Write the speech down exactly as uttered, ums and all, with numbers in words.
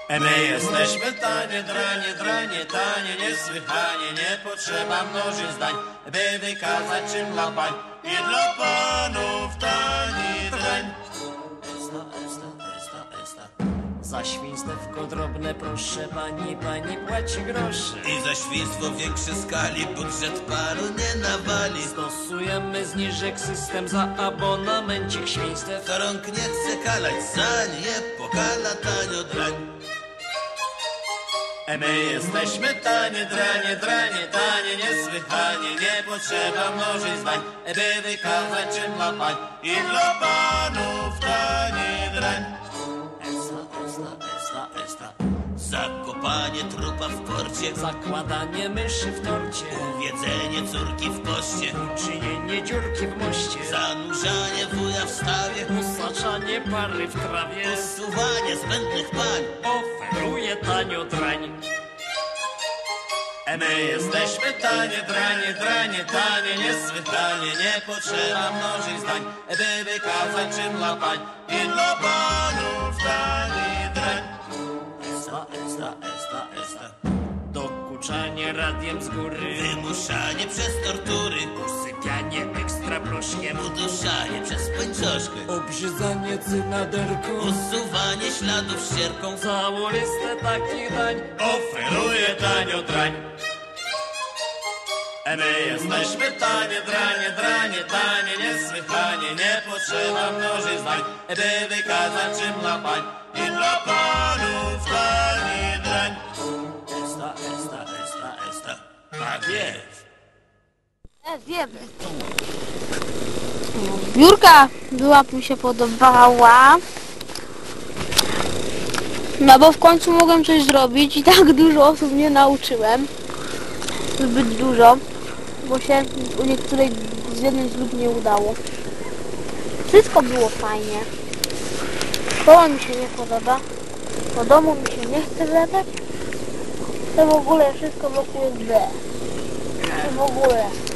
My jesteśmy tanie, dranie, dranie, tanie, niesłychanie, nie potrzeba mnożyć zdań, by wykazać czym dla pań i dla panów tani drań. Esta, esta, esta, esta. Za świństewko drobne, proszę pani, pani płaci grosze. I za świństwo w większej skali budżet panu nie nawali. Stosujemy zniżek system za abonamencik świństw. Kto rąk nie chce kalać, za nie pokala tanio drań. My jesteśmy tanie, dranie, dranie, tanie, niesłychanie, nie potrzeba mnożyć zdań, by wykazać czym dla pań i dla panów tani drań. Esta, esta, esta, esta. Zakopanie trupa w porcie, Zakładanie myszy w torcie, jedzenie córki w poście, czynienie dziurki w moście, zanurzanie wuja w stawie, usaczanie pary w trawie, usuwanie zbędnych pań. oferuje tanio drań. My jesteśmy tanie, dranie, dranie, tanie, niesłychanie, nie potrzeba mnożyć zdań, by wykazać czym dla pań i dla panów tani drań. Esta, esta, esta, esta. Dokuczanie radiem z góry, Wymuszanie przez tortury, usypianie ekstra proszkiem, uduszanie przez pończoszkę, obrzydzanie cynaderką, usuwanie śladów ścierką. całą listę takich dań Oferuje tanio drań. My jesteśmy tanie, dranie, dranie, tanie, niesłychanie, nie potrzeba mnożyć zdań, by wykazać czym dla pań i dla panów tani drań. Esta, esta, esta, esta. Tak jest. E, wiemy. Biurka była mi się podobała. No bo w końcu mogłem coś zrobić i tak dużo osób nie nauczyłem. Zbyt dużo. Bo się u niektórej z jednej z lub nie udało. Wszystko było fajnie. Szkoła mi się nie podoba. Do domu mi się nie chce wracać. To w ogóle wszystko wokół jest B. To w ogóle.